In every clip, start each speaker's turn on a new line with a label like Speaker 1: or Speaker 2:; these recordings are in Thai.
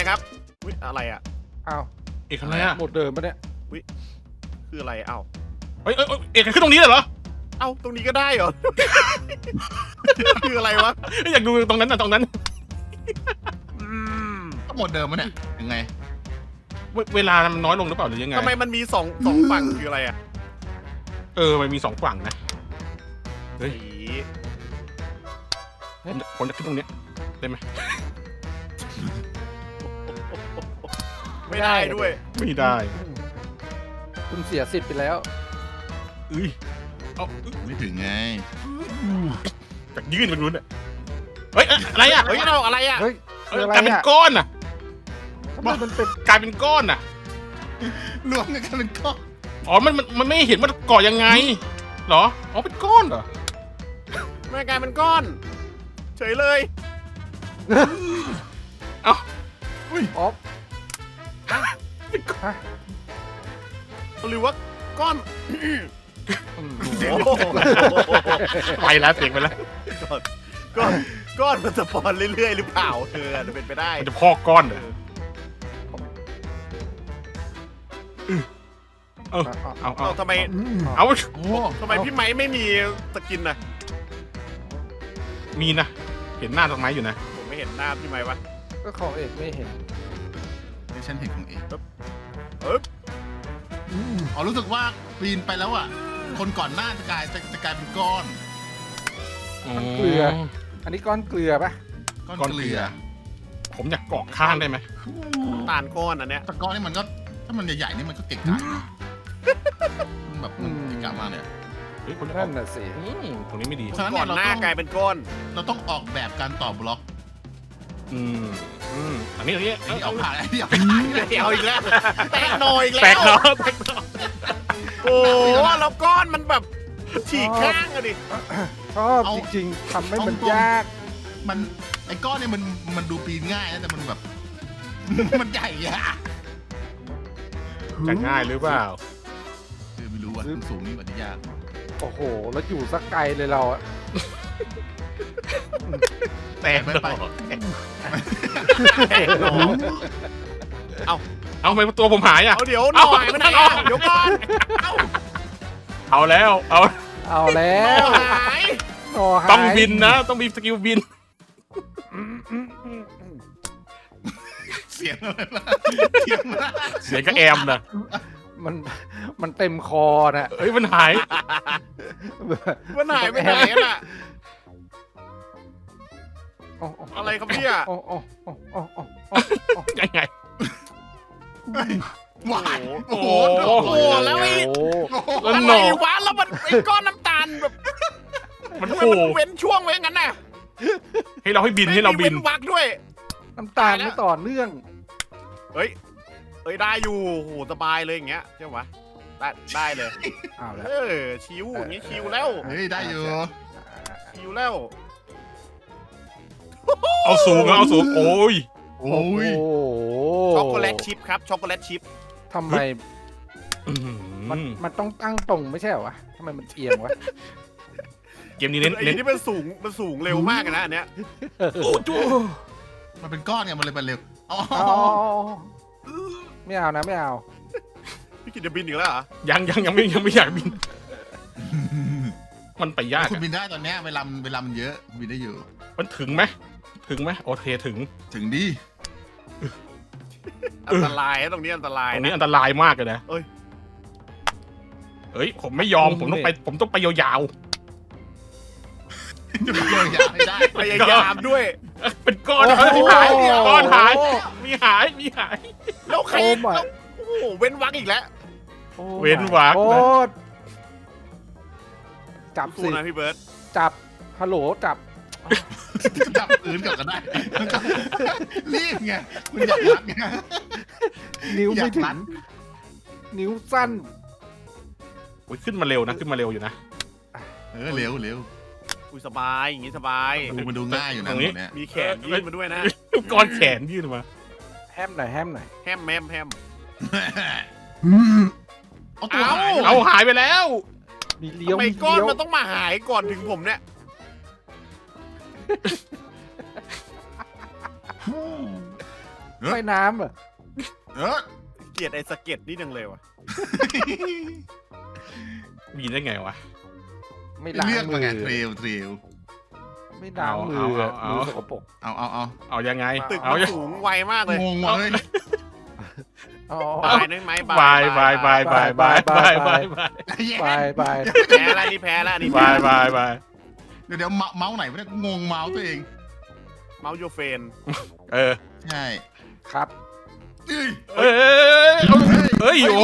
Speaker 1: ครับอุ๊ยอะไรอ่ะ
Speaker 2: อ้าว
Speaker 3: เอกอะไรอะ
Speaker 2: หมดเดิมปะเนี่ย
Speaker 1: คืออะไรเอ้า
Speaker 3: เอ้ยเอกขึ้นตรงนี้เลยเหรอ
Speaker 1: เอ้าตรงนี้ก็ได้เหรอ คืออะไรวะ
Speaker 3: อยากดูตรงนั้นน่ะตรงนั้น
Speaker 4: ก็หมดเดิมมั้ยเนี่ยยังไง
Speaker 3: เวลามันน้อยลงหรือเปล่าหรือยังไง
Speaker 1: ทำไมมันมีสองฝั่งคืออะไรอ่ะ
Speaker 3: มันมี2ฝั่งนะ เฮ้ย
Speaker 1: สี
Speaker 3: ผมจะขึ้นตรงเนี้ยได้ไหม
Speaker 1: ไม่ได้ด้วย
Speaker 3: ไม่ได้
Speaker 2: คุณเสียสิทธิ์ไปแล้ว
Speaker 3: เอา
Speaker 4: ไม่ถึงไง
Speaker 3: จากยื่นไปนู้นอ่ะเฮ้ยอะไรอ่ะ
Speaker 1: เฮ้ยเราอะไรอ่ะ
Speaker 2: เฮ้ยคืออะไร
Speaker 3: กลายเป็น
Speaker 2: อ่ะ
Speaker 3: ก้อนอ่ะ
Speaker 2: ทำไมมันเป็น
Speaker 3: กลายเป็นก้อนอ่ะ
Speaker 4: รวมกันเป็นก้อน
Speaker 3: อ๋อมันไม่เห็นว่าก่อยังไงเหรออ๋อเป็นก้อนเหรอ
Speaker 1: แม่กลายเป็นก้อน เฉยเลย
Speaker 3: เอ้า
Speaker 2: ออฟฮะ
Speaker 1: หรือว่าก้อน
Speaker 2: โอ้โห
Speaker 1: โอ้โห
Speaker 3: ไปแล้วเสียงไปแล้ว
Speaker 1: ก้อนมันสปอนเรื่อยๆหรือเปล่าอาจจะเป็นไปได้
Speaker 3: มันจะพอกก้อนเหรอเอา
Speaker 1: เอ้าทำไม
Speaker 3: เอา
Speaker 4: โอ้
Speaker 1: ทำไมพี่ไม้ไม่มีสกินน่ะ
Speaker 3: มีนะเห็นหน้าต้นไม้อยู่นะ
Speaker 1: ผมไม่เห็นหน้าพี่ไม้วะ
Speaker 2: ก็ของเอกไม่เห็น
Speaker 4: ในฉันเห็นของเอง
Speaker 1: เอ๊บ
Speaker 4: อ๋อรู้สึกว่าปีนไปแล้วอ่ะ คนก่อนหน้าจะกลายเป็นก้อน
Speaker 2: เกลือ อันนี้ก้อนเกลือปะ
Speaker 4: ก้อน
Speaker 3: ก้อน
Speaker 4: เก
Speaker 3: เกลื
Speaker 4: ลื
Speaker 3: อ
Speaker 4: อ
Speaker 3: ผมอยากเกาะข้างได้ไหม
Speaker 1: ตาลก้อนอันเนี้ย
Speaker 4: แต่ก้อนนี่มันก็ถ้ามันใหญ่ๆนี่มันก็เก่งกาจนะมันแบบมันเก่งกาจมากเลย
Speaker 3: เฮ้ยคุณ
Speaker 2: นั่นน่ะสิ
Speaker 3: ตรงนี้ไม่ดี
Speaker 4: ฉะนั้น
Speaker 1: ก่
Speaker 4: เนี่
Speaker 1: อย น
Speaker 4: เรา
Speaker 1: หน้า
Speaker 4: ต้อง
Speaker 1: กลายเป็นก้อน
Speaker 4: เราต้องออกแบบการต่อบล็อก
Speaker 3: อันนี้
Speaker 4: ไอ้ที่เอาผ่านไอ้ที่เอาผ่าน
Speaker 1: เอาอีกแล้วแตกหน่อยอีกแล้ว
Speaker 3: แตกเนาะแตกเนาะ
Speaker 1: โอ้แล้วก้อนมันแบบฉีกข้างอะดิ
Speaker 2: ชอบจริงๆทำให้มันยาก
Speaker 4: มันไอ้ก้อนเนี่ยมันดูปีนง่ายนะแต่มันแบบ มันใหญ่อะ
Speaker 3: จะง่ายหรือเปล่า
Speaker 4: คือไม่รู้ว่าสูงนี่มันจะยาก
Speaker 2: โอ้โห แล้วอยู่สักไกลเลยเราอะ
Speaker 3: แตก
Speaker 4: ไป
Speaker 3: เนาะ
Speaker 4: ไป
Speaker 1: แตกหน่อ
Speaker 3: เอาไปตัวผมหายอ่ะ
Speaker 1: เอาเดี๋ยวหน่อยมันไหนอ่ะเดี๋ยวก่อนเอา
Speaker 3: เอาแล้ว เอา
Speaker 2: เอาแล้
Speaker 1: หน่อ
Speaker 2: ว
Speaker 1: หาย
Speaker 2: หน่อหาย
Speaker 3: ต้องบินนะ ต้องมีสกิลบิน
Speaker 4: เสียงอะไรล่ะเสียงอะไร
Speaker 3: เสียงก็แอมนะ
Speaker 2: มันเต็มคอนะ
Speaker 3: เฮ้ยมันหาย
Speaker 1: มันหายไปไหนอะน่ะ
Speaker 2: โอ้โ
Speaker 1: อะไรครับเนี่ย
Speaker 2: โอ้โอ้โอ้โอ้โอ้โอ้
Speaker 3: ยังไง
Speaker 4: หวานโอ้โห
Speaker 3: โอ้โห
Speaker 1: โอ้แล้วไอ้
Speaker 2: โห
Speaker 3: แล้ว
Speaker 1: อะ
Speaker 3: ห
Speaker 1: ไร
Speaker 3: นอ
Speaker 1: วะแล้วมันไอ้ก้อนน้ำตาลแบบ
Speaker 3: มัน
Speaker 1: ทำไม
Speaker 3: โผล่
Speaker 1: มันเว้นช่วงไว้งั้นน่ะ
Speaker 3: ให้เราให้บินให้เราบิน
Speaker 1: ไม่มีเว้นวักด้วย
Speaker 2: น้ำตาลไม่ต่อเนื่อง
Speaker 1: เฮ้ยได้อยู่โหสบายเลยอย่างเงี้ยใช่ไหมได้เลย
Speaker 2: เอาแล้ว
Speaker 1: ชิวอย่างงี้ชิวแล้ว
Speaker 4: เฮ้ยได้อยู่
Speaker 1: ชิวแล้ว
Speaker 3: เอาสูงเอาสูง โอ้ย
Speaker 4: โอ้ย
Speaker 2: โอ้โห
Speaker 1: ช็อกโกแลตชิพครับช็อกโกแลตชิพ
Speaker 2: ทำไมมันต้องตั้งตรงไม่ใช่เหรอวะทำไมมันเอียงวะ
Speaker 3: เกมนี้เน้น
Speaker 1: ไอ้
Speaker 3: เน้น
Speaker 1: นี่มันสูงเร็วมากอะนะอันเนี้ย
Speaker 3: โอ้จู
Speaker 4: มันเป็นก้อนไงมันเลยเป็นเร็วอ๋อ
Speaker 2: อ๋อไม่เอานะไม่เอา
Speaker 1: พี่กิตจะบินอีกแล้วเหรอ
Speaker 3: ยังไม่อยากบิน มันไปยาก
Speaker 4: คุณ
Speaker 3: อะ
Speaker 4: บินได้ตอนเนี้ยเวลามันเยอะบินได้อยู่
Speaker 3: มันถึงไหมโอเคถึง
Speaker 4: ถึงดี
Speaker 1: อันตรายนะตรงนี้อันตราย
Speaker 3: ตรง
Speaker 1: นะ
Speaker 3: นี้อันตรายมากเลยนะ
Speaker 1: เอ้ย
Speaker 3: เฮ้ยผมไม่ยอมผมต้องไปยาว
Speaker 4: จะไปเลยอยากให้ได้
Speaker 1: พยายามด้วย
Speaker 3: ๆเป็นก้อนหายก้อนหายมีหาย
Speaker 1: แล้วใคร
Speaker 2: โอ้ my
Speaker 1: แล้วโอ้โหเว้นวักอีกแล้ว
Speaker 2: โอ้
Speaker 3: เว้นวรรคนะ
Speaker 2: โอ้จับ
Speaker 1: สู้
Speaker 2: สิ
Speaker 1: นะพี่เบิร์ต
Speaker 2: จับฮัลโหลจับ
Speaker 4: จับปืนกลับกันได้รีบไงคุณอยากรัดไง
Speaker 2: นิ้วไม่ถึ
Speaker 4: อยากรั
Speaker 2: ง
Speaker 4: ด
Speaker 2: นิ้วสั้น
Speaker 3: โอ้ยขึ้นมาเร็วนะอยู่นะ
Speaker 4: เร็ว
Speaker 1: อุ้ยสบายอย่างงี้สบาย
Speaker 4: มันดูง่ายอยู่นะ
Speaker 3: ตรงนี้
Speaker 4: เนี่ย
Speaker 1: มีแขนยื่นมาด้วยนะ
Speaker 3: ก้อนแขนยื่นมา
Speaker 2: แฮมหน่อย
Speaker 1: แฮม
Speaker 4: เอาตัวหาย
Speaker 3: เอาหายไปแล้ว
Speaker 2: มีเลี้ยว
Speaker 1: ทำไม
Speaker 2: มี
Speaker 1: ก้อน
Speaker 2: เลี้ยว
Speaker 1: มันต้องมาหายก่อนถึงผมเนี่ย
Speaker 2: ว่ายน้ำเหรอ
Speaker 4: เออ
Speaker 1: เกลียดไอ้สะเก็ดนี่จังเลยว่ะ
Speaker 3: มีได้ไงวะ
Speaker 2: ไม่ล้าง
Speaker 4: เลือก
Speaker 2: มื
Speaker 4: มา
Speaker 2: อ
Speaker 4: ไงเทรล
Speaker 2: ไม่ล้างมือ
Speaker 3: เอา
Speaker 2: มือสกปรก
Speaker 4: เอา
Speaker 3: เอายังไง
Speaker 1: ตึก
Speaker 3: เอา
Speaker 1: มัน
Speaker 3: ยัง
Speaker 1: สูงไวมากเลย
Speaker 4: งงว่ะเลย
Speaker 2: อ๋อ
Speaker 1: บายนึกไหม
Speaker 3: บายบายบายบายบายบายบายบาย
Speaker 2: ไป
Speaker 1: แพ้แล้วนี่แพ้แล้วนี่
Speaker 3: บายบายบาย
Speaker 4: เดี๋ยวเมาส์ไหนวะเนี่ยงงเมาส์ตัวเอง
Speaker 1: เมาส์โยเฟน
Speaker 3: เออ
Speaker 4: ใช่
Speaker 2: ครับ
Speaker 3: เอ้ยเอ้ยโอ้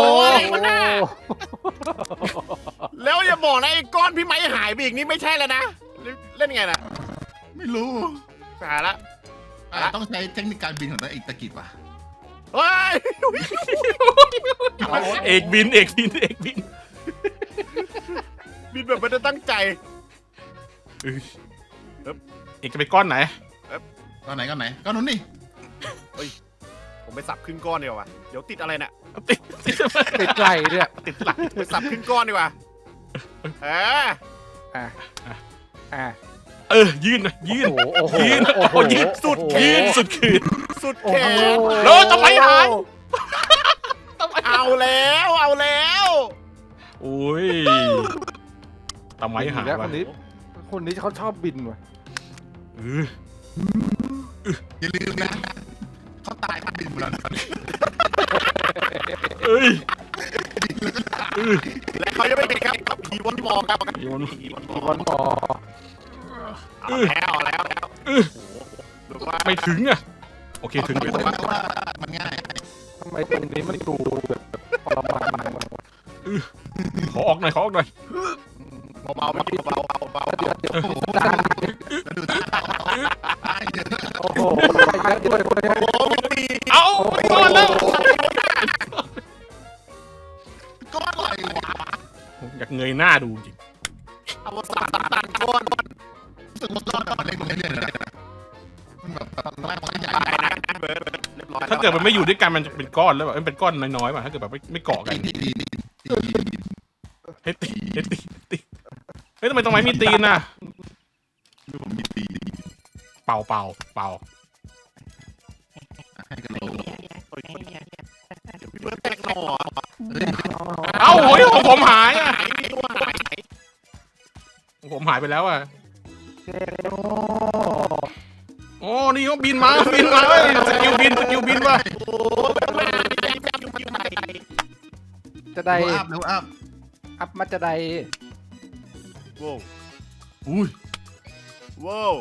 Speaker 1: แล้วอย่าบอกนะไอ้ก้อนพี่ไม้หายไปอีกนี่ไม่ใช่แล้วนะเล่นไงน่ะ
Speaker 4: ไม่รู้
Speaker 1: หายละ
Speaker 4: ต้องใช้เทคนิคการบินของตัวเองตะกิดว่ะ
Speaker 1: เฮ้ย
Speaker 3: เอกบินเอกบินเอกบิน
Speaker 1: บินแบบไม่ได้ตั้งใจ
Speaker 3: เอกจะไปก้อนไหน
Speaker 4: ก้อนไหนก้อนไหนก้อนนู้นนี่
Speaker 1: ผมไปสับครึ่งก้อนดีกว่าเดี๋ยวติดอะไรเนี่ย
Speaker 3: ติด
Speaker 2: ติดไหลเนี่ย
Speaker 3: ติดหลัง
Speaker 1: ไปสับครึ่งก้อนดีกว่าเออ
Speaker 2: อ่ะ
Speaker 3: ยื่นนะยื่น
Speaker 2: โอ้โห
Speaker 3: ยืน
Speaker 2: โอ้โห
Speaker 3: ยืนสุด
Speaker 2: โอ้โห
Speaker 3: ยืนสุดขืน
Speaker 1: สุด
Speaker 2: โอ้
Speaker 1: แข
Speaker 2: โห
Speaker 1: น
Speaker 3: แล้วทำไมหาย
Speaker 1: เอาแล้วเอาแล้ว
Speaker 3: โอ้ยทำไมหาย
Speaker 2: แล้ว
Speaker 3: วะ
Speaker 2: คนนี้เขาชอบบินว่ะ
Speaker 4: อย่าลืมนะเขาตายเขาบินหมดแล้ว
Speaker 3: เอ้ย
Speaker 1: และเขาจะไม่เป็นครับผีวนมองครับ
Speaker 3: โยน
Speaker 1: ผีวนม
Speaker 2: มี
Speaker 1: อง
Speaker 2: คนต่อ
Speaker 1: เอาแล้วหรือว่า
Speaker 3: ไม่ถึงอ่ะโอเคถึง
Speaker 4: เพราะว่ามันง่าย
Speaker 2: ทำไมตรงนี้มันดูแบบปรมาณวะ
Speaker 3: ขอออกหน่อยขอออกหน่อย
Speaker 1: เบาๆไม่เบาๆเบา
Speaker 2: เดี๋ยว
Speaker 4: แล้วดูท่าตายเยอะ
Speaker 2: โอ้โหไปเยอะด้วย
Speaker 1: ๆโอ้ตี
Speaker 3: เอาไปก่อนแล้ว
Speaker 4: ก้อนอะไรวะ
Speaker 3: อยากเงยหน้าดูจริง
Speaker 1: เอาสามตันก้น
Speaker 4: รู้สึกว่าก้อนมันเล็กลงเรื่อยๆเลยนะมันแบบตอนแรกมันก็ใหญ่
Speaker 1: ตายนะเบิร์ดเรียบร้อย
Speaker 3: ถ้าเกิดมันไม่อยู่ด้วยกันมันจะเป็นก้อนแล้วแบบมันเป็นก้อนน้อยๆป่ะถ้าเกิดแบบไม่เกาะกัน
Speaker 4: ตี
Speaker 3: เฮ้ยตีเฮ้ยทำไมตรงไหนมีตีนน่ะ
Speaker 4: ดูผมมีตี
Speaker 3: เป่า
Speaker 4: ให้กันโล
Speaker 1: พี่เบิร์ดแตกหน่อ
Speaker 3: เอ้าโอ้ยของผมหายอ่ะ
Speaker 1: หายมีตัวหาย
Speaker 3: ของผมหายไปแล้วอ่ะ
Speaker 2: โอ้
Speaker 3: โอ้นี่เขาบินมาเฮ้ยสกิลบินว่ะ
Speaker 1: โอ้มาอยู่ไหน
Speaker 2: จะได้
Speaker 4: อัพเร็วอัพ
Speaker 2: อัพมาจะได้
Speaker 1: ว้าว
Speaker 4: อุ้ย
Speaker 1: ว้าว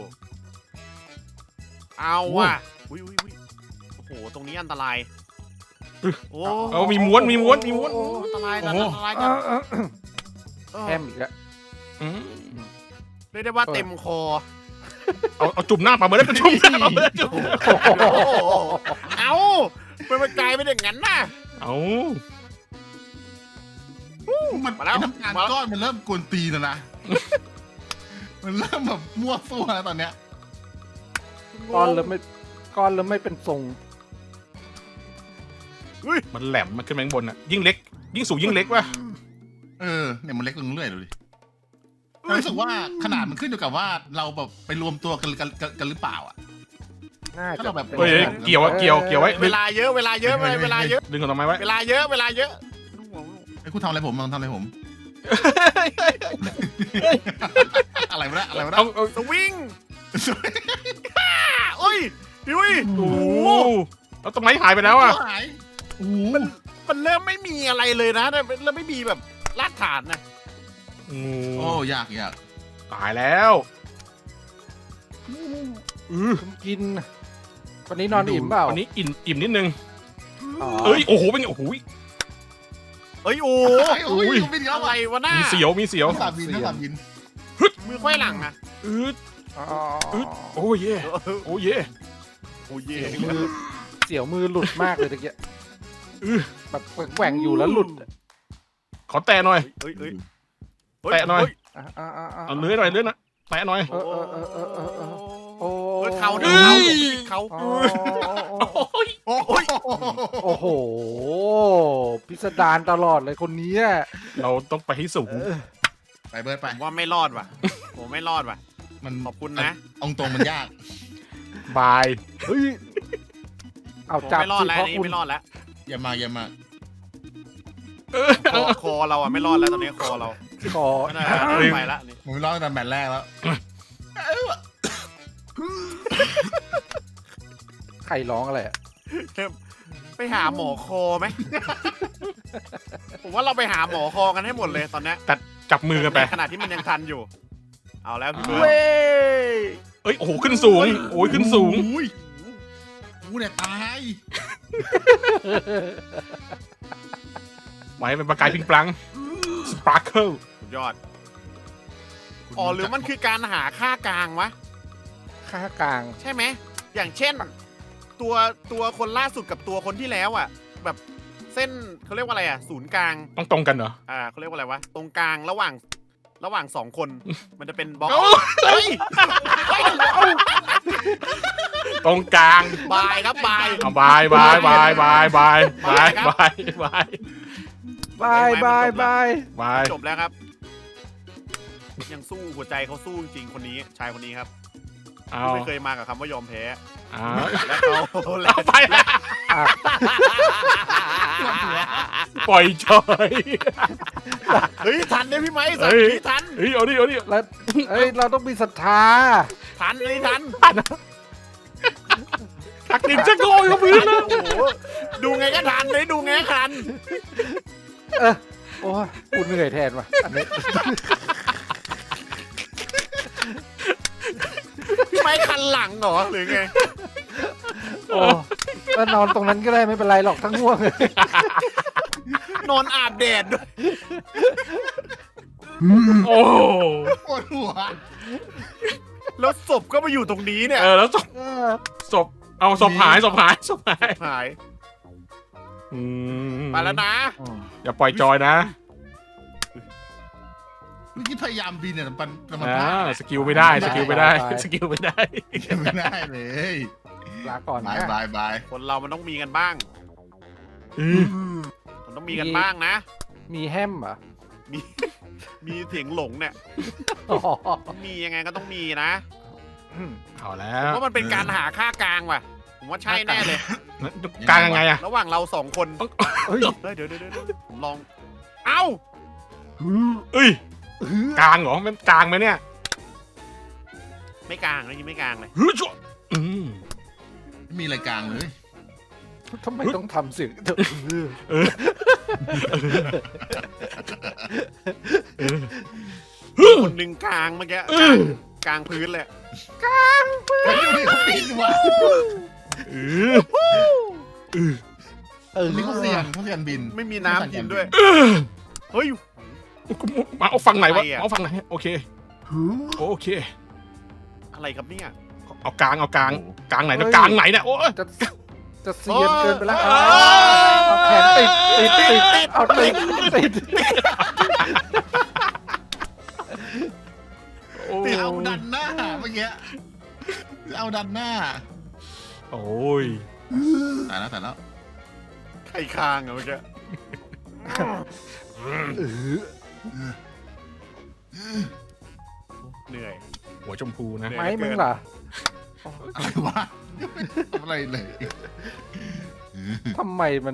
Speaker 1: เอาว่ะอุ้ยโอ้โหตรงนี้อันตรายโอ้
Speaker 3: เอามีม้วน
Speaker 1: อันตรายกัน
Speaker 2: แฮมอีกแล้ว
Speaker 3: อืม
Speaker 1: เรียกได้ว่าเต็มคอ
Speaker 3: เอาจุ่มหน้าปลาเบิร์ดจุ่มหน้าปลาเบิร์ดจุ่ม
Speaker 1: เอามันกลายเป็นอย่างนั้นน่ะ
Speaker 3: เอา
Speaker 4: มันน้ำตาลก้อนมันเริ่มกวนตีแล้วนะมันเริ่มแบบมั่วซั่วแล้วตอนเนี้ย
Speaker 2: ก้อนแล้วไม่เป็นทรง
Speaker 3: มันแหลมมันขึ้นมาข้างบนอ่ะยิ่งเล็กยิ่งสูงยิ่งเล็กว่ะ
Speaker 4: เนี่ยมันเล็กลงเรื่อยๆดูดิรู้สึกว่าขนาดมันขึ้นอยู่กับว่าเราแบบไปรวมตัวกันหรือเปล่าอ่ะ
Speaker 2: น่า
Speaker 4: ถ้า
Speaker 2: จะ
Speaker 4: เราแบบ
Speaker 3: เฮ้ยเกี่ยวไว้
Speaker 1: เวลาเยอะเวลาเยอะ
Speaker 3: ดึงของทำไมไว้
Speaker 1: เวลาเยอะเวลาเยอะ
Speaker 4: ไอ้คุณทำอะไรผมทำอะไรผม อะไรวะอะไรวะ
Speaker 3: เอา
Speaker 1: สวิงโอ้ยดิว
Speaker 3: โอ้แล้วต้นไม้หายไปแล้วอ่ะ
Speaker 4: หายโอ้
Speaker 1: มันเริ่มไม่มีอะไรเลยนะเริ่มไม่มีแบบรากฐานนะ
Speaker 4: โอ้ยาก
Speaker 3: ตายแล้ว
Speaker 2: กินวันนี้นอนอิ่มเปล่า
Speaker 3: วันนี้อิ่มนิดนึง
Speaker 2: อ๋อ
Speaker 3: เอ้ยโอ้โหเป็นโอ้โห
Speaker 1: เอ้ยโอ้
Speaker 4: โอ้ยบินแล้ว
Speaker 1: อะไรวะหน้า
Speaker 3: มีเสียว
Speaker 4: สามบิน
Speaker 1: มือค่อยหลังอะ
Speaker 2: อ๋อ
Speaker 3: โอ้เย่โอ้เย่
Speaker 1: โอ้ย
Speaker 2: เสียวมือหลุดมากเลยตะเกียแบบแกว่งอยู่แล้วหลุด
Speaker 3: ขอแตะหน่อย
Speaker 1: แตะหน่อย
Speaker 3: เอาเลื้อยหน่อยนะแตะหน่อย
Speaker 2: โอ้
Speaker 1: เขา
Speaker 2: โอ้
Speaker 4: โอ้ย
Speaker 2: โอ้โหพิสดารตลอดเลยคนนี้
Speaker 3: เราต้องไปให้สูง
Speaker 4: ไปเบิร์ดไป
Speaker 1: ผมว่าไม่รอดว่ะผมไม่รอดว่ะ
Speaker 4: มัน
Speaker 1: ขอบคุณนะ
Speaker 4: องตรงมันยาก
Speaker 3: บาย
Speaker 2: เฮ้ยเอา
Speaker 1: ผม
Speaker 2: จับ
Speaker 1: ไม่รอด
Speaker 2: สิ
Speaker 1: แล้ว
Speaker 2: เพราะ
Speaker 1: นี่
Speaker 2: คุณ
Speaker 1: ไม่รอดแล้ว
Speaker 4: อย่ามาอย่ามา
Speaker 1: คอเราอ่ะไม่รอดแล้วตอนนี้คอเรา
Speaker 2: ขอ
Speaker 1: ไม่ได้ไปละนี่
Speaker 4: ผมไม่ร้องตั้งแต่แมตช์แรกแล้ว
Speaker 2: ใครร้องอะไรอะ
Speaker 1: ไปหาหมอคอไหม ผมว่าเราไปหาหมอคอกันให้หมดเลยตอนเนี้ย
Speaker 3: จับมือกันไป
Speaker 1: ในขณะที่มันยังทันอยู่ เอาแล้วพี่เบิร์ด
Speaker 2: เว้ย
Speaker 3: เอ้ยโอ้โหขึ้นสูงโอ้ยขึ้นสูง
Speaker 4: อุ้ยกูเนี่ยตาย
Speaker 3: ไว้เป็นประกายพิงปลังสปาร์เคิล
Speaker 1: สุดยอด อ๋อหรือมันคือการหาค่ากลางวะ
Speaker 2: ค่ากลาง
Speaker 1: ใช่ไหม อย่างเช่น ตัวคนล่าสุดกับตัวคนที่แล้วอ่ะ แบบเส้นเขาเรียกว่าอะไรอ่ะ ศูนย์กลาง
Speaker 3: ต้องตรงกันเหรอ
Speaker 1: เขาเรียกว่าอะไรวะ ตรงกลางระหว่างสองคน มันจะเป็นบล็อก
Speaker 3: เอ้า
Speaker 1: เฮ้ย
Speaker 3: ตรงกลาง
Speaker 1: บายครับบาย
Speaker 3: เอาบายบายบายบายบายบายบายบาย
Speaker 2: บายบายบาย
Speaker 3: บาย
Speaker 1: จบแล้วครับ ยังสู้หัวใจเขาสู้จริงๆคนนี้ ชายคนนี้ครับ
Speaker 3: เอา
Speaker 1: ไม่เคยมากับคำว่ายอมแพ้
Speaker 3: เอา
Speaker 1: และเขา
Speaker 3: เอาไปแล้ว
Speaker 2: อ่ะ
Speaker 3: ปล่อยจอย
Speaker 1: เฮ้ยทันเนี่ยพี่ไม้สัก
Speaker 3: เฮ้ย
Speaker 1: ทีทัน
Speaker 3: เฮ้ยเอาดิเอาดิ
Speaker 2: แล้วเอ้ยเราต้องมีศรัทธา
Speaker 1: ทันนี่ทัน
Speaker 3: ทักดินจะโกยกับพื้นแล้ว
Speaker 1: โอ้โหดูไงก็ทันเลยดูไงก็ทัน
Speaker 2: โอ้ยกูเหนื่อยแทนว่ะอันนี้
Speaker 1: พี่ไม้คันหลังเหรอหรือไง
Speaker 2: โอ้แล้วนอนตรงนั้นก็ได้ไม่เป็นไรหรอกทั้งง่วงเลย
Speaker 1: นอนอาบแดดด้วย
Speaker 3: โอ้
Speaker 4: ปวดหัว
Speaker 1: แล้วศพก็มาอยู่ตรงนี้เนี่ย
Speaker 3: แล้วศพเอาศพหายศพหายศพหาย
Speaker 1: หาย
Speaker 3: อืม
Speaker 1: มาแล้วนะ
Speaker 3: อย่าปล่อยจอยนะ
Speaker 4: เมื่อกี้พยายามบินเนี่ยมันพลาด
Speaker 3: สกิลไม่ได้สกิลไม่ได้สกิลไม่ได้
Speaker 4: ไม่ได้เลย
Speaker 2: ลาก่อน
Speaker 4: บาย
Speaker 2: นะ
Speaker 4: บายบาย
Speaker 1: คนเรามันต้องมีกันบ้าง มันต้องมีกันบ้างนะ
Speaker 2: มีแฮมเหรอ
Speaker 1: มีเสียงหลงเนี่ย
Speaker 2: อ๋อ
Speaker 1: มียังไงก็ต้องมีนะ
Speaker 3: เอาแล้ว
Speaker 1: เพราะมันเป็นการหาค่ากลางว่ะ ผมว่าใช่แน่เลย
Speaker 3: กลางยังไงอะ
Speaker 1: ระหว่างเราสองคน
Speaker 2: เฮ้ย
Speaker 1: เฮ้ยเดี๋ยวผมลอง เอ้า
Speaker 3: เอ้ยกลางเหรอมันกลางไหมเนี่ย
Speaker 1: ไม่กลางเลยยังไม่กลางเลย
Speaker 3: ฮึจ่อืม
Speaker 4: ไม่มีอะไรกลางเลย
Speaker 2: ทำไมต้องทำเสียง
Speaker 1: คนหนึ่งกลางเมื่อกี้กลางพื้นเลย
Speaker 4: เฮ้ยนี่เขาบินว่ะ
Speaker 3: เออ
Speaker 4: นี่เขาเสี่ยงบิน
Speaker 1: ไม่มีน้ำกินด้วย เฮ้ย
Speaker 3: มาเอาฝั่งไหนวะ
Speaker 1: อะไรอะ
Speaker 3: เอาฝั่งไหนโอเคโอเค
Speaker 1: อะไรครับเนี่ย
Speaker 3: เอากลางกลางไหนกลางไหนเนี่ยโอ้
Speaker 2: จะเสียนเกินไปแล้ว
Speaker 1: เอ
Speaker 2: เอาแขนติดเอาติด
Speaker 4: ติดเอาดันหน้าเมื่อกี้เอาดันหน้า
Speaker 3: โอ้ย
Speaker 4: ตายแล้ว
Speaker 1: ไข่คางอะเมื่อกี้เหนื่อย
Speaker 3: หัวชมพูนะ
Speaker 2: ไม้มึงล่ะ
Speaker 4: อะไรวะไม่ทำอะไรเลย
Speaker 2: ทำไมมัน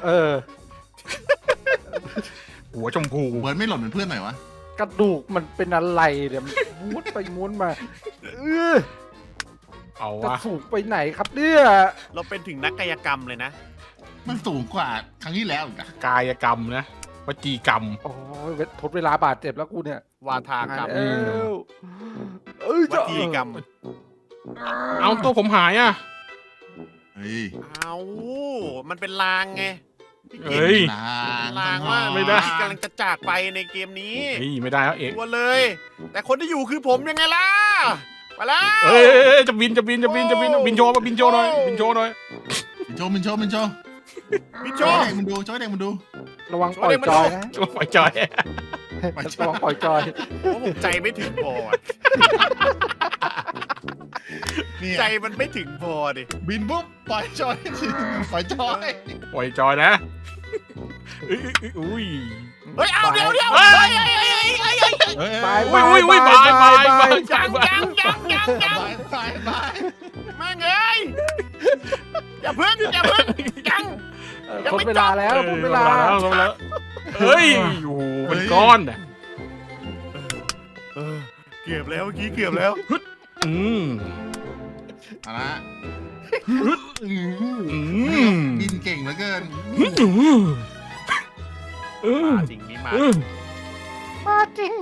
Speaker 3: หัวชมพู
Speaker 4: เบิร์ดไม่หล่นเป็นเพื่อนหน่อยวะ
Speaker 2: กระดูกมันเป็นอะไรเนี่ยมันม้วนไปม้วนมาอ
Speaker 3: เอา
Speaker 2: จะ
Speaker 3: วะ
Speaker 2: สูงไปไหนครับเนี่ย
Speaker 1: เราเป็นถึงนักกายกรรมเลยนะ
Speaker 4: มันสูงกว่าครั้งที่แล้วอีกอะ
Speaker 3: กายกรรมนะวจีกรรม
Speaker 2: โอ้ยทดเวลาบาดเจ็บแล้วกูเนี่ยว
Speaker 1: าทากรรม
Speaker 2: เอ้วเอ้ย
Speaker 1: วัตีกรรม
Speaker 3: เอาตัวผมหายอ่ะ
Speaker 4: เฮ้ย
Speaker 1: เอามันเป็นลางไง
Speaker 3: เฮ้ย
Speaker 1: ลางว่า
Speaker 3: ไม่ได้
Speaker 1: กำลังจะจากไปในเกมนี้
Speaker 3: เฮ้ยไม่ได้แล้วเอก
Speaker 1: กลัวเลย แต่คนที่อยู่คือผมยังไงล่ะมาแล้ว
Speaker 3: เอ้ยจะบินบินโชว์มาบินโชว์หน่อยบินโชว์หน่อย
Speaker 4: มินโชมินโช
Speaker 1: พี่โจ
Speaker 4: โจ้ให้เด็กมันดูโจ้ให้เด็กมันดู
Speaker 2: ระวังปล่อยจอยนะ
Speaker 3: โชว์ปล่อยจอย
Speaker 2: ระวังปล่อยจอย
Speaker 1: โอ้ผมใจไม่ถึงพออะ
Speaker 4: นี่
Speaker 1: ใจมันไม่ถึงพอดิ
Speaker 4: บินปุ๊บปล่อยจอยปล่อยจอย
Speaker 3: ปล่อยจอยนะอุ้ย
Speaker 1: เฮ้ยเอาเดี๋ยว
Speaker 3: เฮ้ย
Speaker 2: บาย
Speaker 3: อุ้ยบาย
Speaker 1: ยัง
Speaker 4: บาย
Speaker 1: แม่งเอ้ยอย่าเพิ่งยัง ยัง
Speaker 2: หม
Speaker 1: ไม่
Speaker 2: ดเวลาแล้วหมดเวลา
Speaker 3: แล้วเฮ้ยโอ้โหเป็นก้อนอ่ะ
Speaker 1: เกือบแล้วเมื่อกี้เกือบแล้ว
Speaker 3: อืม
Speaker 4: เอาละ
Speaker 3: อืม
Speaker 4: บินเก่งเหลือเกิน
Speaker 1: มาจริงนี่มา
Speaker 2: มาจริง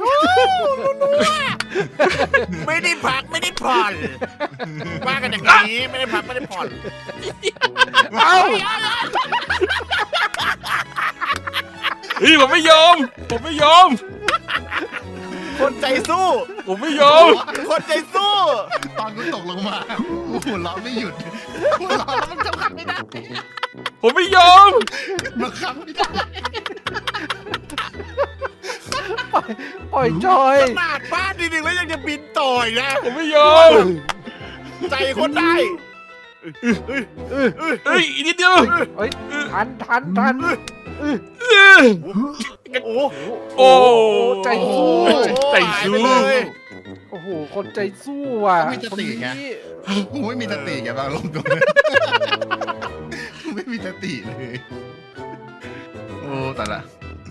Speaker 1: ไม่ได้พักไม่ได้ผ่อนว่ากันอย่างนี้ไม่ได้พักไม่ได้ผ่อน
Speaker 2: เอ้า
Speaker 3: เฮ้ยผมไม่ยอม
Speaker 1: คนใจสู้
Speaker 3: ผมไม่ยอม
Speaker 1: คนใจสู้
Speaker 4: ตอนกูตกลงมาหัวเราะไม่หยุดหัวเราะแล้วมันจะขับไม่ได้
Speaker 3: ผมไม่ยอม
Speaker 4: มันขับไม่ได้
Speaker 2: ปล่อยจอย
Speaker 1: ขนาดบ้านดีๆแล้วยังจะบินต่อยนะ
Speaker 3: ผมไม่ยอม
Speaker 1: ใจคนได้
Speaker 3: เฮ้ยอีกนิดเดียว
Speaker 2: เฮ้ยทัน
Speaker 1: โอ้
Speaker 3: โอ้
Speaker 2: ใจสู้
Speaker 3: ใจสู้
Speaker 1: หายไปเลย
Speaker 2: โอ้โหคนใจสู้อ่ะ
Speaker 4: ไม่จะตีไง
Speaker 2: คนนี้
Speaker 4: กูไม่มีสติแกบางลงตัวกูไม่มีสติเลยโอ้แต่ละ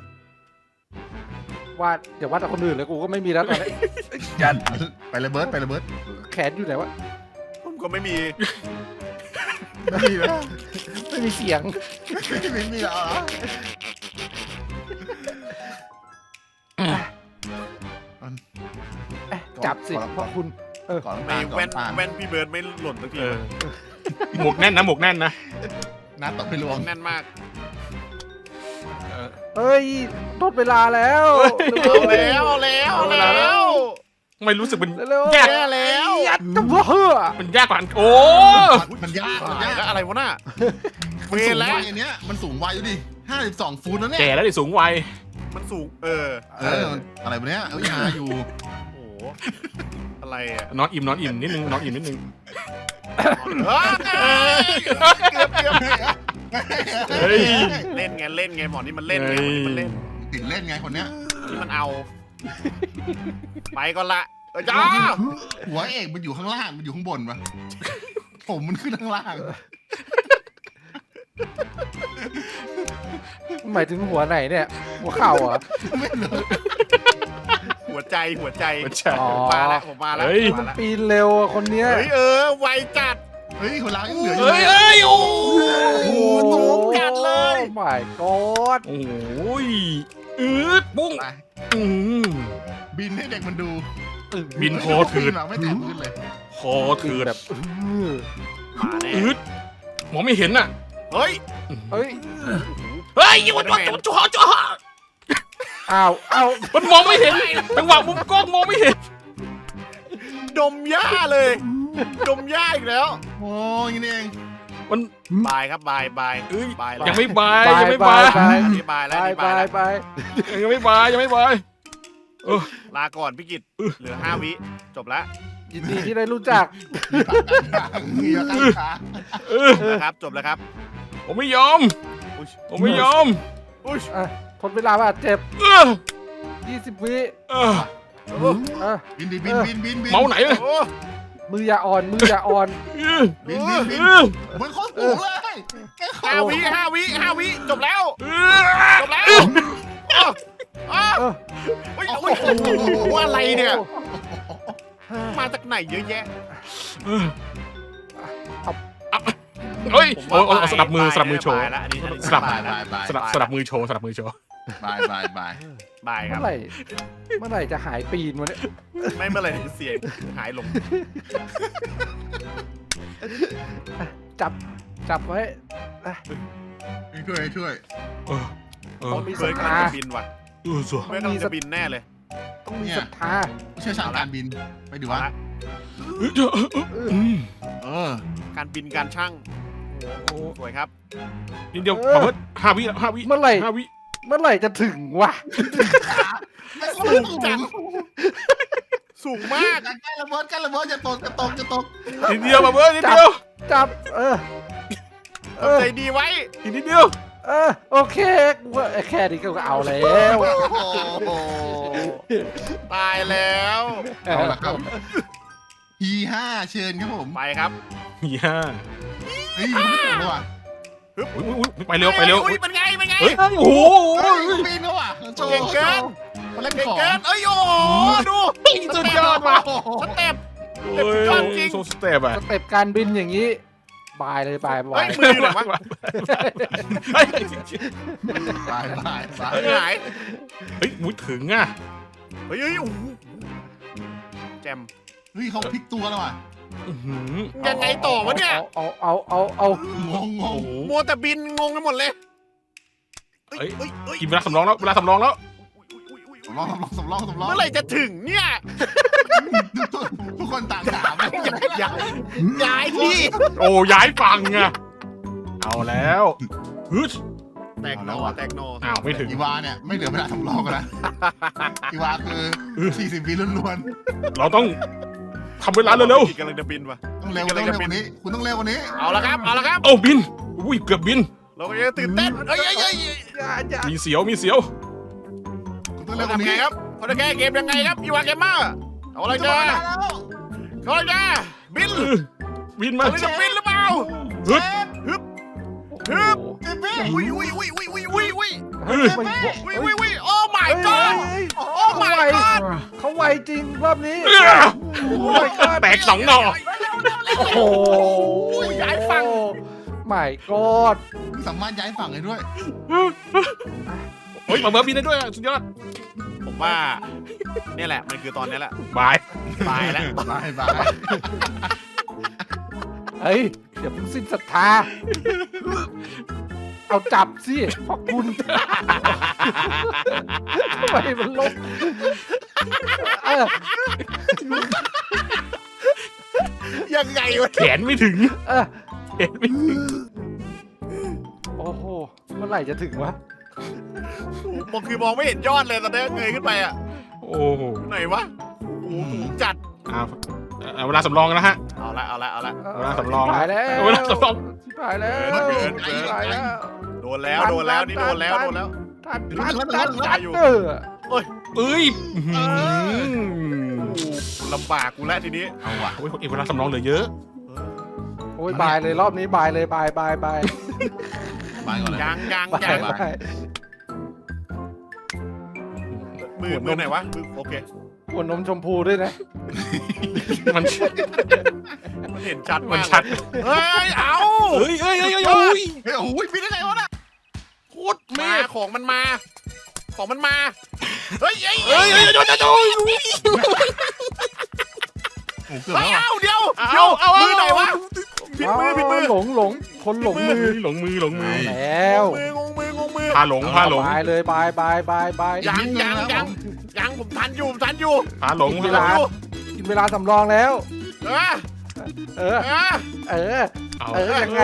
Speaker 2: วาดอย่าวาดแต่คนอื่นเลยกูก็ไม่มีแล้วตอนนี้
Speaker 4: ยันไปเลยเบิร์ดไปเลยเบิร์ด
Speaker 2: แขนอยู่ไหนวะ
Speaker 1: ผมก็ไม่มี
Speaker 4: ไม่มีแล้ว
Speaker 2: ไม่มีเสียง
Speaker 4: ไม่มีแล้วเหรอ
Speaker 2: จับสิเพราะคุณ
Speaker 4: ก่อน
Speaker 1: ไม่
Speaker 4: ตาก่อ
Speaker 1: แว่
Speaker 4: น
Speaker 1: น
Speaker 4: ตา
Speaker 1: แว่นพี่เบิร์ดไม่หล่นสักที
Speaker 3: เออหมวกแน่นนะหมวกแน่นนะ
Speaker 4: น้าตกไปลวง
Speaker 1: แน่นมาก
Speaker 2: เอ้ยหมดเวลาแล้ว
Speaker 1: เอาแล้ว
Speaker 3: ไม่รู้สึกเป็น
Speaker 2: เร็ว
Speaker 3: แยก
Speaker 1: แย่แล้ว
Speaker 2: ยัดตัวเฮ้อ
Speaker 3: มันยากกว่าอันโอ้
Speaker 4: มันยากมัน
Speaker 1: ตาย
Speaker 4: ยาก
Speaker 1: แล้วอะไรวะน่ะเว
Speaker 4: มันสูง
Speaker 1: แล้
Speaker 4: วั
Speaker 1: วย
Speaker 4: อันเนี้ยมันสูงวัยดูดิ52 ฟุตแล้วเนี่ย
Speaker 3: แก่แล้วดิสูงวัย
Speaker 1: มันสูง
Speaker 4: มันอะไรวะเนี้ยเอ้ยหาอยู่
Speaker 1: โอ้โหอะไรอ่ะ
Speaker 3: นอนอิ่มนิดนึงนอนอิ่มนิดนึง เฮ้ย
Speaker 1: เล่นไงหมอนี่มันเล่นไงหมอนี่มันเล่น
Speaker 4: ติดเล่นไงคนเนี้ย
Speaker 1: นี่มันเอาไปก่อนละจ้า
Speaker 4: หัวเอกมันอยู่ข้างล่างมันอยู่ข้างบนปะผมมันขึ้นข้างล่าง
Speaker 2: หมายถึงหัวไหนเนี่ยหัวเข่าเหรอ
Speaker 4: ไม่รู้
Speaker 1: หัวใจ
Speaker 3: มันใช่
Speaker 2: อ๋อ
Speaker 1: ผมมาแล้ว
Speaker 3: เฮ้ย
Speaker 2: มันปีนเร็วอะคนเนี้ย
Speaker 1: เฮ้ยไวจัด
Speaker 4: เฮ้ยคนเรายังเหลืออยู่
Speaker 3: เฮ้ยเฮ้ยโอ้
Speaker 1: โอ้โหสูงจัดเลย
Speaker 2: โอ้ my god
Speaker 3: โอ้ยปุ้ง
Speaker 4: ไป
Speaker 3: อืม
Speaker 4: บินให้เด็กมันดู
Speaker 3: บินโคถืด
Speaker 4: เราไม่แตะพื้นเลย
Speaker 3: คอถืด
Speaker 2: แบบ
Speaker 1: มาแน่
Speaker 3: มองไม่เห็นน่ะ
Speaker 1: เฮ้ย
Speaker 2: เฮ้ย
Speaker 3: เฮ้ยอยู่วันจ่อ
Speaker 2: อ้าว
Speaker 3: มันมองไม่เห็นจังหวะมุมกล้องมองไม่เห็น
Speaker 1: ดมหญ้าเลย ดมหญ้าอีกแล้ว
Speaker 4: โอ้ยนี่เอง
Speaker 3: มัน
Speaker 1: บายครับบายบายแล้ว
Speaker 3: ยังไม่บายยังไม่บาย
Speaker 1: อันนี้บายแล้ว
Speaker 2: ไป
Speaker 1: นี่
Speaker 2: ไป
Speaker 1: บายแล้ว
Speaker 2: ไป
Speaker 3: ยังไม่บายยังไม่บาย
Speaker 1: ลาก่อนพี่กิตเหลือ5 วิจบแล้ว
Speaker 2: ยินดีที่ได้รู้จัก
Speaker 4: มีมาตั้งขา
Speaker 1: นะครับจบแล้วครับ
Speaker 3: ผมไม่ยอม
Speaker 1: อุ้ย
Speaker 3: ผมไม่ยอม
Speaker 1: อุ้ย
Speaker 2: อ่ะทนเวลาว่าเจ็บ
Speaker 3: เออ
Speaker 2: 20 วิ
Speaker 3: เออ
Speaker 2: อ่ะ
Speaker 4: บินดิบินบินบินบิน
Speaker 3: เมาไหนเลย
Speaker 1: โอ้
Speaker 2: มืออย่าอ่อน
Speaker 4: บินบินบินมันโคตรสูงเลยแค่ขา
Speaker 1: 5 วิจบแล้วจบแล้วอ้าว
Speaker 2: เออ
Speaker 1: โอ้ยอะไรเนี่ย มาจากไหนเยอะแยะ
Speaker 3: เฮ้ย
Speaker 1: ผม
Speaker 3: โอ้
Speaker 1: ว่า
Speaker 3: สลับมือโชว์
Speaker 1: บายแล้วอันนี้
Speaker 3: สลับ
Speaker 1: บายแล้ว
Speaker 4: บาย
Speaker 3: สลับมือโชว์สลับมือโชว์
Speaker 4: บายบายบาย
Speaker 1: บายครับ
Speaker 2: เมื่อไหร่จะหายปีนวะเนี่ย
Speaker 1: ไม่เมื่อไหร่ถึงเสียงหายลง
Speaker 2: จับไว้
Speaker 4: ช่วย
Speaker 3: เออเออ
Speaker 2: ต้องมี
Speaker 1: เบิ
Speaker 2: ศรั
Speaker 1: ร์
Speaker 2: ท
Speaker 1: ดกำลั
Speaker 2: ธาง
Speaker 1: จะบินว่ะ
Speaker 3: สัว
Speaker 1: เบิร์ดกำลังจะบินแน่เลย
Speaker 2: ต้องมีศรัทธา
Speaker 4: เชี่ยวชาญการบินไปดู
Speaker 1: เอา
Speaker 4: วะ
Speaker 1: ละ
Speaker 4: เออ
Speaker 1: การบินการช่างโอ้สวยครับ
Speaker 3: นิดเดียวขอเพิ่ม5 วิ5 วิ
Speaker 2: เมื่อไหร่
Speaker 3: 5 วิ
Speaker 2: เมื่อไหร่จะถึงวะ
Speaker 1: สูงจังสูงมาก
Speaker 4: ใกล้ระเบิดจะตก
Speaker 3: นิดเดียวมาเบิร์ดนิดเดียว
Speaker 2: จับ
Speaker 1: ใจดีไว้
Speaker 3: อีกนิดเดียว
Speaker 2: โอเคกูว่าแค่นี้ก็เอาแล้ว
Speaker 1: โอ้ตายแล้ว
Speaker 4: เอาละครับฮี5เชิญครับผม
Speaker 1: ไปครับ
Speaker 3: ย่า
Speaker 4: เฮ้ยมันไม่ถูกเลยว่ะ
Speaker 3: อุ๊ยไปเร็วไปเร็ว
Speaker 1: อุ้ยเป็นไงเป็นไง
Speaker 3: เฮ้ยโอ้โห
Speaker 4: เฮ้ยปีนแล้วว่ะโชว์
Speaker 1: เก่งเกิน
Speaker 4: มาเล่น
Speaker 1: เก่ง
Speaker 4: ของ
Speaker 1: เกินเอ้ยโอ้โหดู
Speaker 3: สุดยอดว่ะ
Speaker 1: สเต็ป
Speaker 3: โอ้ย
Speaker 1: ยอดจริง
Speaker 3: โซสเต็ปอะ
Speaker 2: สเต็ปการบินอย่างนี้ บายเลยบาย
Speaker 1: เฮ้
Speaker 2: บาย ย
Speaker 1: มืออยู่ไหนวะ
Speaker 3: เฮ้ย
Speaker 4: บายบายบาย
Speaker 1: มือหาย
Speaker 3: เฮ้ยมุ้ยถึงอะ
Speaker 1: เฮ้ยโอ้โหแจม
Speaker 4: เฮ้ยเขาพลิกตัวแล้วว่ะ
Speaker 3: อื้อหือ
Speaker 1: ยังไงต่อวะเนี่ย
Speaker 2: เอา
Speaker 4: งงง
Speaker 3: โอ้
Speaker 4: ง
Speaker 3: โห
Speaker 1: มัวแต่บินงงไปหมดเลย
Speaker 3: เฮ้ย
Speaker 1: เฮ้ยเฮ้ย
Speaker 3: กินเวลาสำรองแล้วเวลาสำรองแล้ว
Speaker 4: สำรองสำรองสำรอง
Speaker 1: เมื่อไหร่จะถึงเนี่ย
Speaker 4: ทุกคนต่างถาม
Speaker 1: ย้ายที่
Speaker 3: โอ้ย้ายฝั่งอะเอาแล้วฮึด
Speaker 1: แตกโนแตกโน
Speaker 3: อ้าวไม่ถึง
Speaker 4: อีวาเนี่ยไม่เหลือเวลาสำรองกันนะอีวาคือ40 วิล้วน
Speaker 3: เราต้องทำเวลาเร็ว
Speaker 1: กำลังจะบินว่ะ
Speaker 4: ๆต้องเร็วต้องเร็วกว่านี้ คุณต้องเร็วกว่านี้
Speaker 1: เอาละครับเอาละครับ
Speaker 3: ๆโอ้บินอุ้ยเกือบบิน
Speaker 1: เราก็จะตื่นเต้นเอ้ย
Speaker 3: มีเสียวมีเสียว
Speaker 4: คุณต้องเร็
Speaker 1: เรา
Speaker 4: วกว่า
Speaker 1: ทำไง
Speaker 4: นี้
Speaker 1: ครับเขาจะแก้เกมยังไงครับอีวาเกมเมอร์เอาอะไร
Speaker 4: จะ
Speaker 1: จ้า
Speaker 4: มาแล้ว
Speaker 1: เขาจะบิน
Speaker 3: บินมา
Speaker 1: เขาจะบินหรือเปล่า
Speaker 3: ฮึด
Speaker 1: ฮึบ
Speaker 4: เจ็บไหม
Speaker 1: อุ้ยอุ้ยอุ้ยอุ้ยอุ้ยอุ้ยอุ้ย
Speaker 2: เฮ้ย
Speaker 1: อุ้ยอุ้ยโอ้ my god โอ้ my god
Speaker 2: เขาไวจริงรอบนี้
Speaker 3: เอื้อ
Speaker 2: โอ้ยก็
Speaker 3: แตกสองหน่อ
Speaker 2: โอ้โห
Speaker 1: ย้ายฝั่ง
Speaker 2: ไม่กอด
Speaker 4: สามารถย้ายฝั่งได้ด้วย
Speaker 3: เฮ้ยมาเบอร์บินได้ด้วยอะสุดยอด
Speaker 1: ผมว่าเนี่ยแหละมันคือตอนนี้แหละ
Speaker 3: บาย
Speaker 1: ตายแล้ว
Speaker 4: บายบาย
Speaker 2: เฮ้ยเดี๋ยวเพิ่งสิ้นศรัทธาเอาจับสิพอคุณทำไมมันลบเออ
Speaker 1: ยังไงวะ
Speaker 3: แขนไม่ถึง
Speaker 2: เออ
Speaker 3: แขนไม่ถึง
Speaker 2: โอ้โหเมื่อไหร่จะถึงวะ
Speaker 1: ผมคือมองไม่เห็นยอดเลยตอนนี้เงยขึ้นไปอ่ะ
Speaker 3: โอ้โห
Speaker 1: ไหนวะโอ้โหสูงจัด
Speaker 3: เอาเวลาสำรองกันนะฮะ
Speaker 1: เอาละเอาละเอาละ
Speaker 3: เวลาสำรอง
Speaker 2: ชิบหายแล้ว
Speaker 3: เวลาสำรอง
Speaker 2: ชิบหายแล้ว
Speaker 1: เกิน
Speaker 2: ชิบหายแล้ว
Speaker 1: โดนแล้วโดนแล้วนี่โดนแล้วโดนแล้ว
Speaker 2: ทัน
Speaker 1: อยู่
Speaker 2: เออ
Speaker 3: เอ้ยอื้อหือ
Speaker 1: ลำบากกูแล้วทีนี้
Speaker 4: เอาว่ะ
Speaker 3: โอ้ยเวลาสำรองเหลือเยอะ
Speaker 2: โอ้ยบายเลยรอบนี้บายเลยบาย
Speaker 4: บายก่อนเลย
Speaker 1: ยังยัง
Speaker 2: บาย
Speaker 1: ยัง
Speaker 2: บาย
Speaker 1: มือไหนวะมือโอเค
Speaker 2: หัวนมชมพูด้วยนะ
Speaker 3: มัน
Speaker 1: มันเห็นชัด
Speaker 3: มัน
Speaker 1: มาก
Speaker 3: ชัด
Speaker 1: เฮ้ยเอา
Speaker 3: เฮ้ยโอ้ย
Speaker 4: เฮ้ยโอ้ยปีนได้ไงวะน่ะ
Speaker 3: โคตรเม
Speaker 1: มา
Speaker 3: ฆ
Speaker 1: ของมันมาของมันมาเฮ้ยเฮ้ย
Speaker 3: เฮ้ยโดน
Speaker 4: โอ้เกือบ
Speaker 1: เฮ้ย
Speaker 4: แล้ว
Speaker 1: เอาเดี๋ยว
Speaker 3: เอา
Speaker 1: มือไหนวะผิดมือผิดมือ
Speaker 2: หลงคนหลงมือ
Speaker 3: หลงมือ
Speaker 2: แล้ว
Speaker 1: งงมือ
Speaker 3: พาหลง
Speaker 2: บายเลยบาย
Speaker 1: ยังผมทันอยู่
Speaker 3: พาหลง
Speaker 2: เวลากินเวลาสำรองแล้ว
Speaker 1: เออ
Speaker 2: เออ
Speaker 1: เออ
Speaker 2: เออยังไง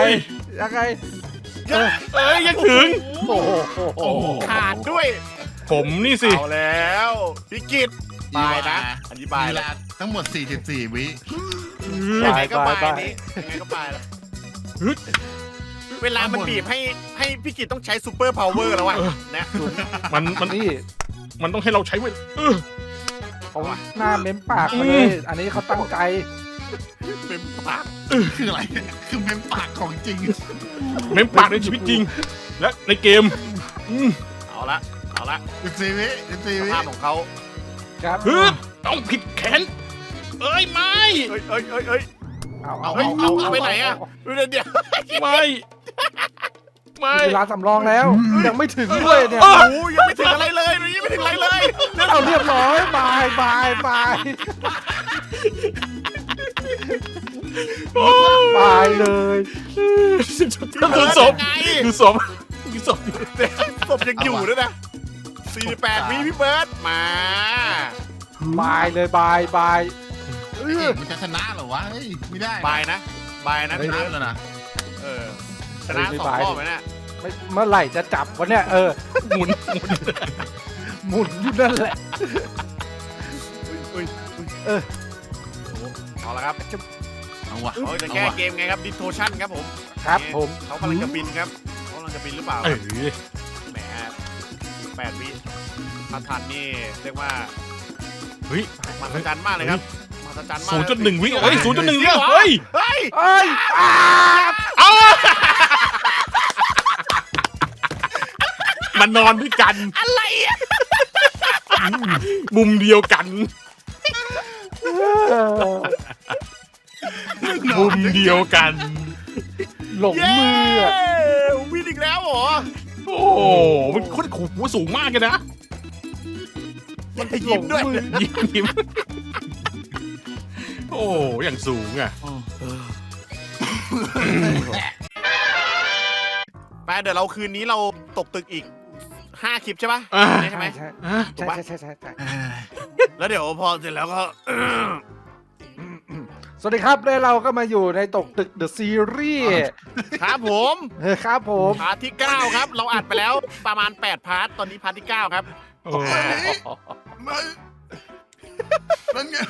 Speaker 2: เออ
Speaker 3: ยังถึง
Speaker 2: โอ้โห
Speaker 4: โอ้โห
Speaker 1: ขาดด้วย
Speaker 3: ผมนี่สิ
Speaker 1: เอาแล้วพี่กิตบายนะอธิบาย
Speaker 4: เว
Speaker 1: แล้
Speaker 4: ลาว ทั้งหมด44 วิ
Speaker 1: ยังไงก็บายนี้ยังไงก็บายแล้วเวลามันบีบให้พี่กิตต้องใช้ซูเปอร์พาวเวอร์แล้ววะนะ
Speaker 3: มัน
Speaker 2: นี่
Speaker 3: มันต้องให้เราใช้เวล
Speaker 2: เขาหน้าเม้มปากมาเลยอันนี้เขาตั้งใจ
Speaker 1: เป็นปาก
Speaker 4: คืออะไรคือเมมปากของจริง
Speaker 3: เม้มปากในชีวิตจริง และในเกม
Speaker 1: เอาละ
Speaker 4: 14 วิ14
Speaker 1: ส
Speaker 4: วิ
Speaker 1: ภาพของเขา
Speaker 2: ครับ
Speaker 3: ต้องผิดแขนเอ้ยไม่
Speaker 1: เอ้ย
Speaker 2: เอา
Speaker 1: เอาไปไหนอะเดี๋ยว
Speaker 3: ไม่
Speaker 2: เวลาสำรองแล้ว ยังไม่ถึงด้วยเนี่ย
Speaker 1: โอ้ยังไม่ถึงอะไรเลยยังไม่ถึงอะไรเลย
Speaker 2: เอาเรียบร้อยบาย บายเลย
Speaker 3: ดูศพดูศพ
Speaker 1: ศพยังอยู่ด้วยนะ48วิพี่เบิร์ดมา
Speaker 2: บายเลยบาย
Speaker 4: มันจะชนะเหรอวะเฮ้ยไม่ได้
Speaker 1: บายนะ
Speaker 4: ชนะแล้วนะ
Speaker 1: ชนะ2 รอบไหมเนี่ย
Speaker 2: เมื่อไหร่จะจับวะเนี่ย
Speaker 3: หมุน
Speaker 2: หมุนอยู่นั่นแหละ
Speaker 1: เอาละครับ
Speaker 4: เอาวะ
Speaker 1: เขาจะแก้เกมไงครับดิโทชั่นครับผม
Speaker 2: ครับผม
Speaker 1: เขากำลังจะบินครับเขากำลังจะบินหรือเปล่า
Speaker 3: เออ
Speaker 1: แหม8 วิถ้าทันนี่เรียกว่า
Speaker 3: เฮ้ย
Speaker 1: มหัศจรรย์มากเลยครับมหัศจรรย์มาก
Speaker 3: 0.1 วิเฮ้ย 0.1 วิเฮ้ย
Speaker 1: เฮ้ย
Speaker 2: เอ้ย
Speaker 3: เอามันนอนด้วยกัน
Speaker 1: อะไรอ่ะ
Speaker 3: มุมเดียวกัน มุมเดียวกัน
Speaker 2: หลงมืออะ
Speaker 1: วินอีกแล้วเหรอ
Speaker 3: โอ้โหมันโคตรขู่หัวสูงมากเลยนะ
Speaker 1: มันจะยิ้มด้วย
Speaker 3: ยิ้มโอ้อย่างสูงอ่ะ
Speaker 1: ไปเดี๋ยวเราคืนนี้เราตกตึกอีก5 คลิปใช่ปะใช่ไหม
Speaker 2: ใช่
Speaker 3: อ่ะ
Speaker 2: ใช่ใช่ใช่ใช่
Speaker 1: แล้วเดี๋ยวพอเสร็จแล้วก็
Speaker 2: สวัสดีครับแล้วเราก็มาอยู่ในตกตึกเดอะซีรีส์
Speaker 1: ครับผม
Speaker 2: ครับผม
Speaker 1: พาร์ทที่ 9 ครับ เราอัดไปแล้วประมาณ 8 พาร์ท ตอนนี้พาร์ทที่ 9 ครับ
Speaker 3: โอ้
Speaker 4: มันนั่นไง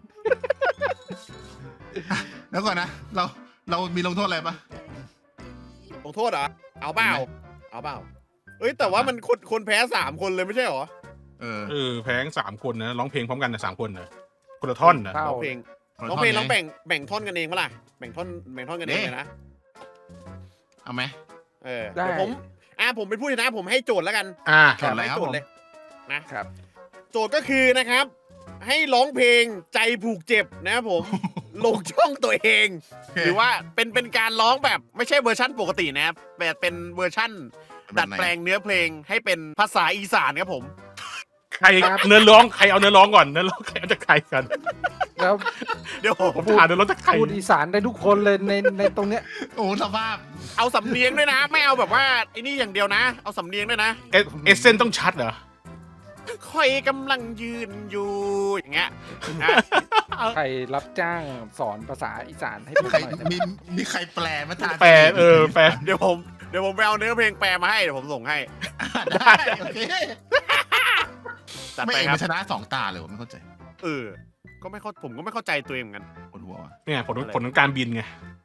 Speaker 4: แล้วก่อนนะเรามีลงโทษอะไรปะ
Speaker 1: ลงโทษเหรอ เอาเปล่า เอาเปล่า เอ้ย แต่ว่ามันคนแพ้ 3 คนเลยไม่ใช่เหรอ
Speaker 3: แพง3 คนนะร้องเพลงพร้อมกันนะ3 คนนะคนละท่อนนะ
Speaker 2: เศร้า
Speaker 1: ร้องเพลงร้องเพลงร้องแบ่งท่อนกันเองปะล่ะ แบ่งท่อนกันเองเลยนะ
Speaker 4: เอาไหม
Speaker 1: เดี๋ยวผมเป็นผู้ชนะผมให้โจทย์แล้วกัน
Speaker 4: โจทย์อะไรครับ
Speaker 1: โจ
Speaker 4: ผ
Speaker 1: ท
Speaker 4: ม
Speaker 1: ย์เลยนะครับ โจทย์ก็คือนะครับ ให้ร้องเพลงใจผูกเจ็บนะครับผม ลงช่องตัวเอง หรือว่าเป็นการร้องแบบไม่ใช่เวอร์ชั่นปกตินะครับแต่เป็นเวอร์ชั่นดัดแปลงเนื้อเพลงให้เป็นภาษาอีสานครับผม
Speaker 3: ใครเนื้อร้องใครเอาเนื้อร้องก่อนเนื้อร้องใครเอาจากใครกัน
Speaker 2: แล้ว
Speaker 1: เดี๋ยว
Speaker 3: ผมถามเนื้อร้องจากใคร
Speaker 2: พูดอีสานได้ทุกคนเลยในตรงเนี้ย
Speaker 4: โอ้สภาพ
Speaker 1: เอาสำเนียงด้วยนะ ไม่เอาแบบว่าไอ้นี่อย่างเดียวนะ เอาสำเนียงด้วยนะ
Speaker 3: เอเซนต้องชัดเหรอ
Speaker 1: คอยกำลังยืนอยู่อย่างเงี้ยนะ
Speaker 2: ใครรับจ้างสอนภาษาอีสานให้ผม
Speaker 4: ใคร
Speaker 2: หน่อยได้ไหม
Speaker 4: มีใครแปลมาทาน
Speaker 3: แปลแปล
Speaker 1: เดี๋ยวผมไปเอาเนื้อเพลงแปลมาให้เดี๋ยวผมส่งให้
Speaker 4: ได้โอเค
Speaker 1: จัด
Speaker 4: ไม่
Speaker 1: ไป
Speaker 4: เอก
Speaker 1: ครับ
Speaker 4: มันชนะ2 ตาเลยผมไม่เข้าใจ
Speaker 1: ผมก็ไม่เข้าใจตัวเองเหมือนกัน
Speaker 4: ปวดหัวว่ะ
Speaker 3: เนี่ยผลของการบินไง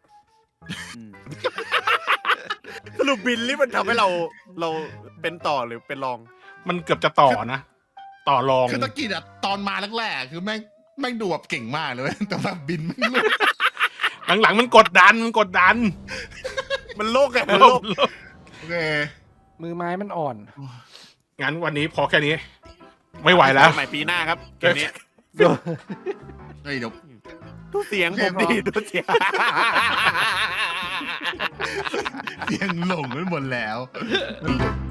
Speaker 1: สรุปบินนี่มันทำให้เราเป็นต่อหรือเป็นรอง
Speaker 3: มันเกือบจะต่อนะ ต่อรอง
Speaker 4: คือตะกี้อะตอนมาแรกๆคือแม่งดูแบบเก่งมากเลยเว้ยแต่แบบบินไม่รู้
Speaker 3: หลังๆมันกดดัน
Speaker 1: มันโลกไงมันโลก
Speaker 4: โอเค
Speaker 2: มือไม้มันอ่อน
Speaker 3: งั้นวันนี้พอแค่นี้ ไม่ไหวแล้ว
Speaker 1: ใหม่ปีหน้าครับเกมนี้
Speaker 4: เฮ้ยเดี๋ยว
Speaker 1: ดูเสียงผมดีดูเสียง
Speaker 4: เสียงหลงไปหมดแล้ว